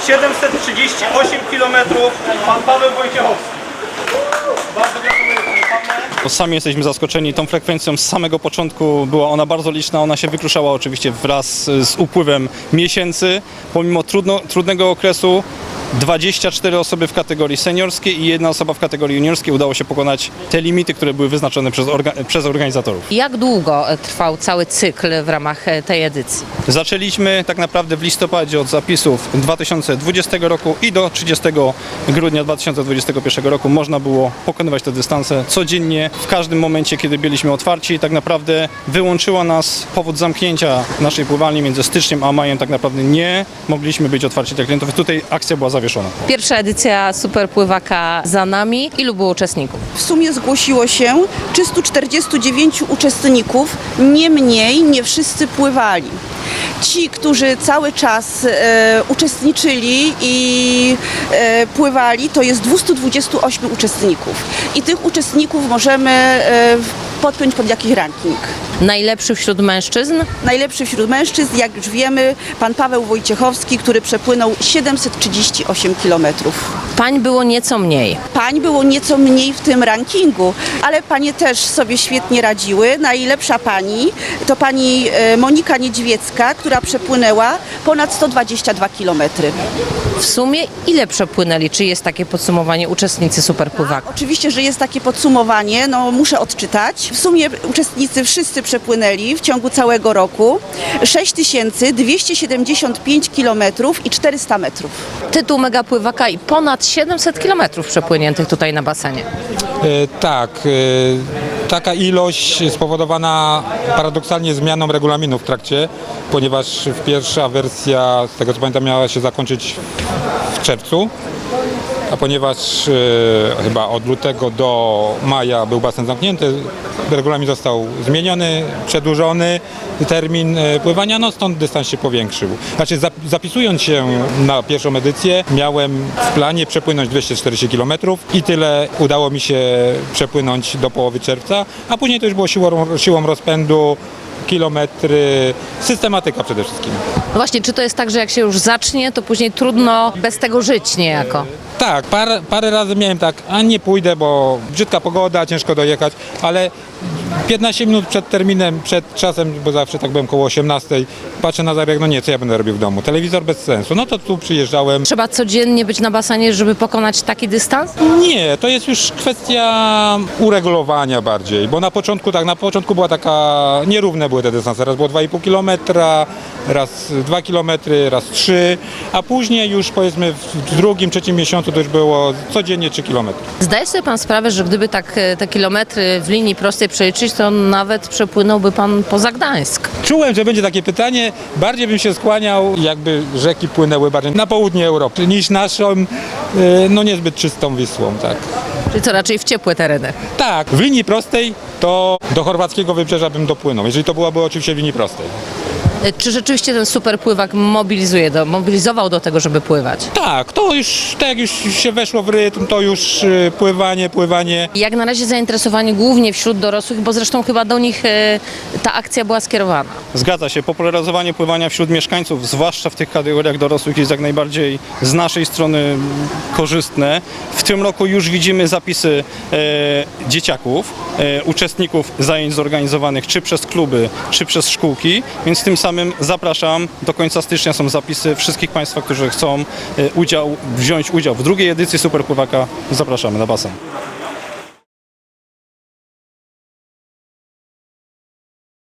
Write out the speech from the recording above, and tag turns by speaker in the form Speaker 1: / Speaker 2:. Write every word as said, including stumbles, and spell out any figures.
Speaker 1: siedemset trzydzieści osiem kilometrów, pan Paweł Wojciechowski. Bardzo gratuluję, panie Pawle. Sami jesteśmy zaskoczeni tą frekwencją z samego początku. Była ona bardzo liczna, ona się wykruszała oczywiście wraz z upływem miesięcy. Pomimo trudno, trudnego okresu dwadzieścia cztery osoby w kategorii seniorskiej i jedna osoba w kategorii juniorskiej udało się pokonać te limity, które były wyznaczone przez, orga, przez organizatorów.
Speaker 2: Jak długo trwał cały cykl w ramach tej edycji?
Speaker 1: Zaczęliśmy tak naprawdę w listopadzie od zapisów dwa tysiące dwudziestego roku i do trzydziestego grudnia dwa tysiące dwudziestego pierwszego roku można było pokonywać te dystanse codziennie, w każdym momencie, kiedy byliśmy otwarci. Tak naprawdę wyłączyła nas powód zamknięcia naszej pływalni między styczniem a majem. Tak naprawdę nie mogliśmy być otwarci dla klientów. Tutaj akcja była zawieszona.
Speaker 2: Pierwsza edycja Superpływaka za nami. Ilu było uczestników?
Speaker 3: W sumie zgłosiło się trzystu czterdziestu dziewięciu uczestników, niemniej nie wszyscy pływali. Ci, którzy cały czas e, uczestniczyli i e, pływali, to jest dwieście dwadzieścia osiem uczestników. I tych uczestników możemy e, podpiąć pod jakiś ranking.
Speaker 2: Najlepszy wśród mężczyzn?
Speaker 3: Najlepszy wśród mężczyzn, jak już wiemy, pan Paweł Wojciechowski, który przepłynął siedemset trzydzieści osiem kilometrów.
Speaker 2: Pań było nieco mniej.
Speaker 3: Pań było nieco mniej w tym rankingu, ale panie też sobie świetnie radziły. Najlepsza pani to pani Monika Niedźwiecka, która przepłynęła ponad sto dwadzieścia dwa kilometry.
Speaker 2: W sumie ile przepłynęli? Czy jest takie podsumowanie uczestnicy Superpływaka?
Speaker 3: Oczywiście, że jest takie podsumowanie, no muszę odczytać. W sumie uczestnicy wszyscy przepłynęli w ciągu całego roku sześć tysięcy dwieście siedemdziesiąt pięć kilometrów i czterysta metrów.
Speaker 2: Tytuł Megapływaka i ponad siedemset kilometrów przepłyniętych tutaj na basenie.
Speaker 4: E, tak, e, taka ilość spowodowana paradoksalnie zmianą regulaminu w trakcie, ponieważ pierwsza wersja, z tego co pamiętam, miała się zakończyć w czerwcu, a ponieważ e, chyba od lutego do maja był basen zamknięty, regulamin został zmieniony, przedłużony termin e, pływania, no stąd dystans się powiększył. Znaczy zapisując się na pierwszą edycję miałem w planie przepłynąć dwieście czterdzieści kilometrów i tyle udało mi się przepłynąć do połowy czerwca, a później to już było siłą, siłą rozpędu, kilometry, systematyka przede wszystkim.
Speaker 2: No właśnie, czy to jest tak, że jak się już zacznie, to później trudno bez tego żyć niejako?
Speaker 4: Tak, parę, parę razy miałem tak, a nie pójdę, bo brzydka pogoda, ciężko dojechać, ale piętnaście minut przed terminem, przed czasem, bo zawsze tak byłem koło osiemnastej, patrzę na zegarek, no nie, co ja będę robił w domu? Telewizor bez sensu. No to tu przyjeżdżałem.
Speaker 2: Trzeba codziennie być na basenie, żeby pokonać taki dystans?
Speaker 4: Nie, to jest już kwestia uregulowania bardziej, bo na początku tak, na początku była taka, nierówne były te dystanse, raz było dwa i pół kilometra, raz dwa kilometry, raz trzy, a później już powiedzmy w drugim, trzecim miesiącu to już było codziennie trzy kilometry.
Speaker 2: Zdaje sobie pan sprawę, że gdyby tak te kilometry w linii prostej przeliczyć, to nawet przepłynąłby pan poza Gdańsk.
Speaker 4: Czułem, że będzie takie pytanie, bardziej bym się skłaniał, jakby rzeki płynęły bardziej na południe Europy niż naszą, no niezbyt czystą Wisłą, tak.
Speaker 2: Czyli co, raczej w ciepłe tereny?
Speaker 4: Tak, w linii prostej to do chorwackiego wybrzeża bym dopłynął, jeżeli to byłaby oczywiście w linii prostej.
Speaker 2: Czy rzeczywiście ten superpływak mobilizuje, do, mobilizował do tego, żeby pływać?
Speaker 4: Tak, to już, tak jak już się weszło w rytm, to już y, pływanie, pływanie.
Speaker 2: Jak na razie zainteresowanie głównie wśród dorosłych, bo zresztą chyba do nich e, ta akcja była skierowana.
Speaker 1: Zgadza się, popularyzowanie pływania wśród mieszkańców, zwłaszcza w tych kategoriach dorosłych, jest jak najbardziej z naszej strony korzystne. W tym roku już widzimy zapisy e, dzieciaków, e, uczestników zajęć zorganizowanych czy przez kluby, czy przez szkółki, więc tym samym zapraszam, do końca stycznia są zapisy wszystkich Państwa, którzy chcą e, udział, wziąć udział w drugiej edycji Superpływaka, zapraszamy na basen.